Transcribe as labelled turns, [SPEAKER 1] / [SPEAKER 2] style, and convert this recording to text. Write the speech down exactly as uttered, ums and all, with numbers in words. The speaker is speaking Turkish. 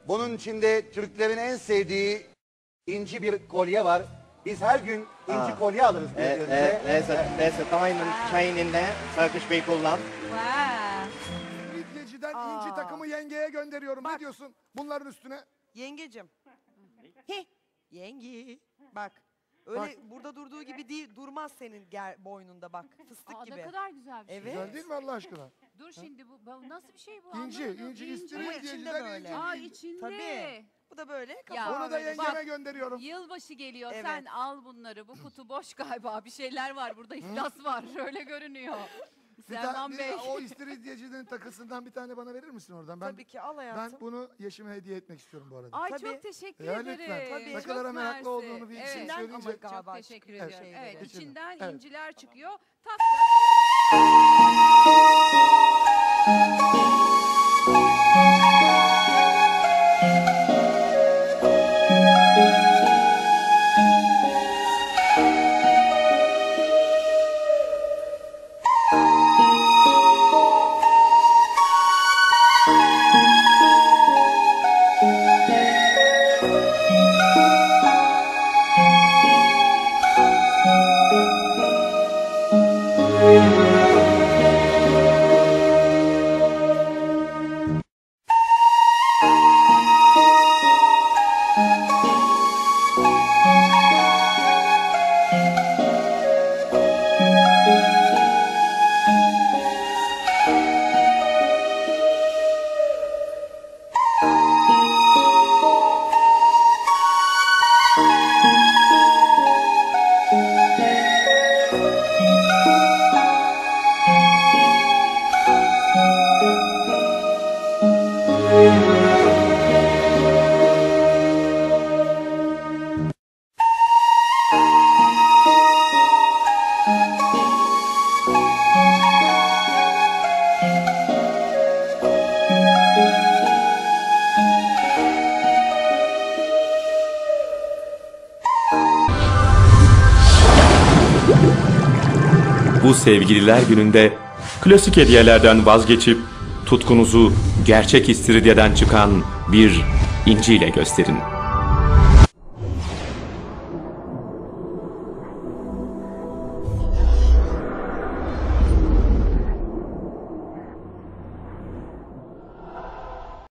[SPEAKER 1] Bunun içinde Türklerin en sevdiği inci bir kolye var. Biz her gün inci
[SPEAKER 2] Aa.
[SPEAKER 1] kolye alırız
[SPEAKER 2] Uh, uh,
[SPEAKER 1] birbirimize.
[SPEAKER 2] there's a there's a diamond chain in there. Turkish people love.
[SPEAKER 3] Wow.
[SPEAKER 4] Midyeciden inci takımı yengeye gönderiyorum. Ne diyorsun bunların üstüne?
[SPEAKER 5] Yengecim. Heh. Yenge. Bak. Öyle
[SPEAKER 4] Bak.
[SPEAKER 5] burada durduğu gibi değil, durmaz senin ger boynunda bak. Fıstık
[SPEAKER 3] Aa,
[SPEAKER 5] gibi.
[SPEAKER 3] ne kadar güzel bir şey.
[SPEAKER 5] Evet.
[SPEAKER 4] Güzel değil mi Allah aşkına?
[SPEAKER 3] Dur şimdi bu, bu nasıl bir şey bu?
[SPEAKER 4] İnci,
[SPEAKER 3] Anlamadım.
[SPEAKER 4] inci,
[SPEAKER 3] İnci.
[SPEAKER 4] istiridye
[SPEAKER 5] Ama içinde
[SPEAKER 4] midyeciden
[SPEAKER 5] böyle.
[SPEAKER 4] inci.
[SPEAKER 3] Aa içinde.
[SPEAKER 5] Tabii. Bu da böyle.
[SPEAKER 3] Ya.
[SPEAKER 5] kapağı
[SPEAKER 4] Onu da
[SPEAKER 5] böyle.
[SPEAKER 4] yengeme
[SPEAKER 3] Bak.
[SPEAKER 4] gönderiyorum.
[SPEAKER 3] Yılbaşı geliyor.
[SPEAKER 5] Evet.
[SPEAKER 3] Sen al bunları. Bu kutu boş galiba. Bir şeyler var burada. İflas var. Öyle görünüyor.
[SPEAKER 4] Bir
[SPEAKER 3] Selman
[SPEAKER 4] tane,
[SPEAKER 3] Bey.
[SPEAKER 4] o istiridyecinin takısından bir tane bana verir misin oradan? Ben,
[SPEAKER 5] Tabii ki al hayatım.
[SPEAKER 4] ben bunu Yeşim'e hediye etmek istiyorum bu arada.
[SPEAKER 3] Ay
[SPEAKER 5] Tabii.
[SPEAKER 3] çok teşekkür
[SPEAKER 4] Ya
[SPEAKER 3] ederim.
[SPEAKER 4] lütfen.
[SPEAKER 5] Tabii.
[SPEAKER 4] Ne
[SPEAKER 3] Çok
[SPEAKER 4] kadar meraklı
[SPEAKER 3] mersi.
[SPEAKER 4] olduğunu bir
[SPEAKER 3] Evet.
[SPEAKER 4] şey
[SPEAKER 5] İçinden
[SPEAKER 4] söyleyince.
[SPEAKER 5] ama galiba
[SPEAKER 3] Çok teşekkür
[SPEAKER 5] çıkıyor
[SPEAKER 3] ediyorum.
[SPEAKER 5] şeyleri.
[SPEAKER 3] Evet,
[SPEAKER 4] İçinden.
[SPEAKER 3] içinden
[SPEAKER 4] Evet.
[SPEAKER 3] inciler çıkıyor. Tak
[SPEAKER 6] Bu sevgililer gününde klasik hediyelerden vazgeçip tutkunuzu gerçek istiridyeden çıkan bir inciyle gösterin.